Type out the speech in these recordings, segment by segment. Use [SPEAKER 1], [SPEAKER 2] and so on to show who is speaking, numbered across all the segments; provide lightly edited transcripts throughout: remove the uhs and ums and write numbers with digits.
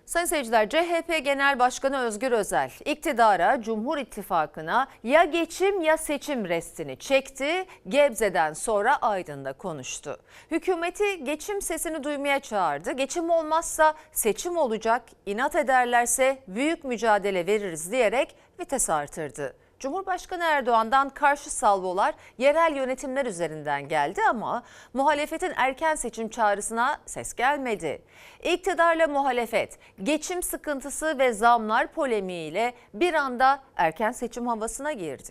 [SPEAKER 1] Sayın seyirciler, CHP Genel Başkanı Özgür Özel, iktidara, Cumhur İttifakı'na ya geçim ya seçim restini çekti. Gebze'den sonra Aydın'da konuştu. Hükümeti geçim sesini duymaya çağırdı. Geçim olmazsa seçim olacak, inat ederlerse büyük mücadele veririz diyerek vites artırdı. Cumhurbaşkanı Erdoğan'dan karşı salvolar yerel yönetimler üzerinden geldi ama muhalefetin erken seçim çağrısına ses gelmedi. İktidarla muhalefet geçim sıkıntısı ve zamlar polemiğiyle bir anda erken seçim havasına girdi.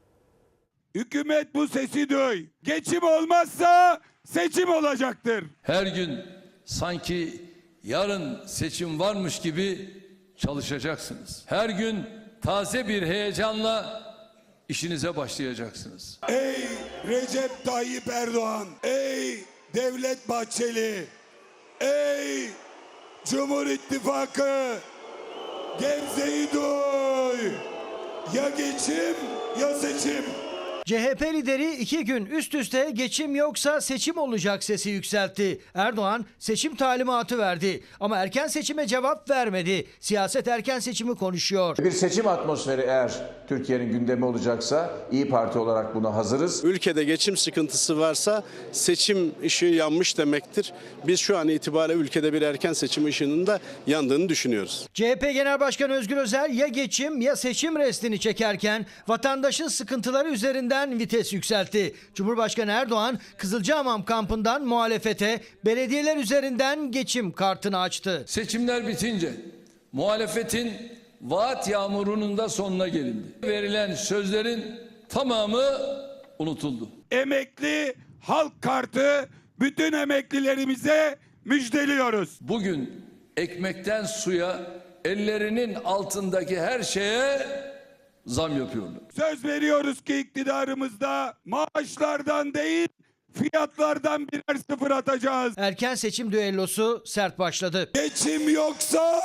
[SPEAKER 2] Hükümet bu sesi duy. Geçim olmazsa seçim olacaktır.
[SPEAKER 3] Her gün sanki yarın seçim varmış gibi çalışacaksınız. Her gün taze bir heyecanla işinize başlayacaksınız.
[SPEAKER 2] Ey Recep Tayyip Erdoğan, ey Devlet Bahçeli, ey Cumhur İttifakı, Gebze'yi duy. Ya geçim ya seçim.
[SPEAKER 4] CHP lideri 2 gün üst üste geçim yoksa seçim olacak sesi yükseltti. Erdoğan seçim talimatı verdi ama erken seçime cevap vermedi. Siyaset erken seçimi konuşuyor.
[SPEAKER 5] Bir seçim atmosferi eğer Türkiye'nin gündemi olacaksa İYİ Parti olarak buna hazırız.
[SPEAKER 6] Ülkede geçim sıkıntısı varsa seçim ışığı yanmış demektir. Biz şu an itibariyle ülkede bir erken seçim ışığının da yandığını düşünüyoruz.
[SPEAKER 4] CHP Genel Başkanı Özgür Özel ya geçim ya seçim restini çekerken vatandaşın sıkıntıları üzerinden vites yükseltti. Cumhurbaşkanı Erdoğan Kızılcahamam kampından muhalefete belediyeler üzerinden geçim kartını açtı.
[SPEAKER 3] Seçimler bitince muhalefetin vaat yağmurunun da sonuna gelindi. Verilen sözlerin tamamı unutuldu.
[SPEAKER 2] Emekli halk kartı bütün emeklilerimize müjdeliyoruz.
[SPEAKER 3] Bugün ekmekten suya, ellerinin altındaki her şeye zam yapıyorlar.
[SPEAKER 2] Söz veriyoruz ki iktidarımızda maaşlardan değil fiyatlardan birer sıfır atacağız.
[SPEAKER 4] Erken seçim düellosu sert başladı.
[SPEAKER 2] Geçim yoksa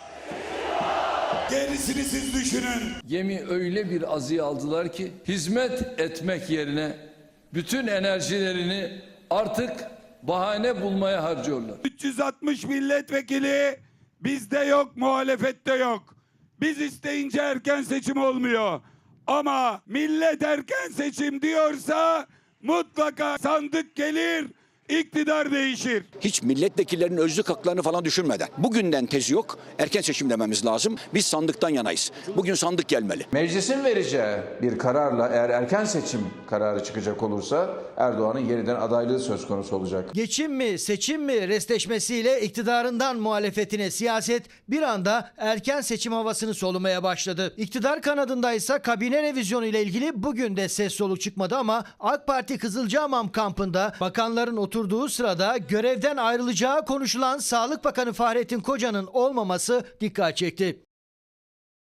[SPEAKER 2] gerisini siz düşünün.
[SPEAKER 3] Gemi öyle bir azıya aldılar ki hizmet etmek yerine bütün enerjilerini artık bahane bulmaya harcıyorlar.
[SPEAKER 2] 360 milletvekili bizde yok, muhalefette yok. Biz isteyince erken seçim olmuyor. Ama millet erken seçim diyorsa mutlaka sandık gelir, iktidar değişir.
[SPEAKER 7] Hiç milletvekillerinin özlük haklarını falan düşünmeden. Bugünden tezi yok. Erken seçim dememiz lazım. Biz sandıktan yanayız. Bugün sandık gelmeli.
[SPEAKER 5] Meclisin vereceği bir kararla eğer erken seçim kararı çıkacak olursa Erdoğan'ın yeniden adaylığı söz konusu olacak.
[SPEAKER 4] Geçim mi seçim mi restleşmesiyle iktidarından muhalefetine siyaset bir anda erken seçim havasını solumaya başladı. İktidar kanadındaysa kabine revizyonu ile ilgili bugün de ses soluk çıkmadı ama AK Parti Kızılcahamam kampında bakanların oturduğu sırada görevden ayrılacağı konuşulan Sağlık Bakanı Fahrettin Koca'nın olmaması dikkat çekti.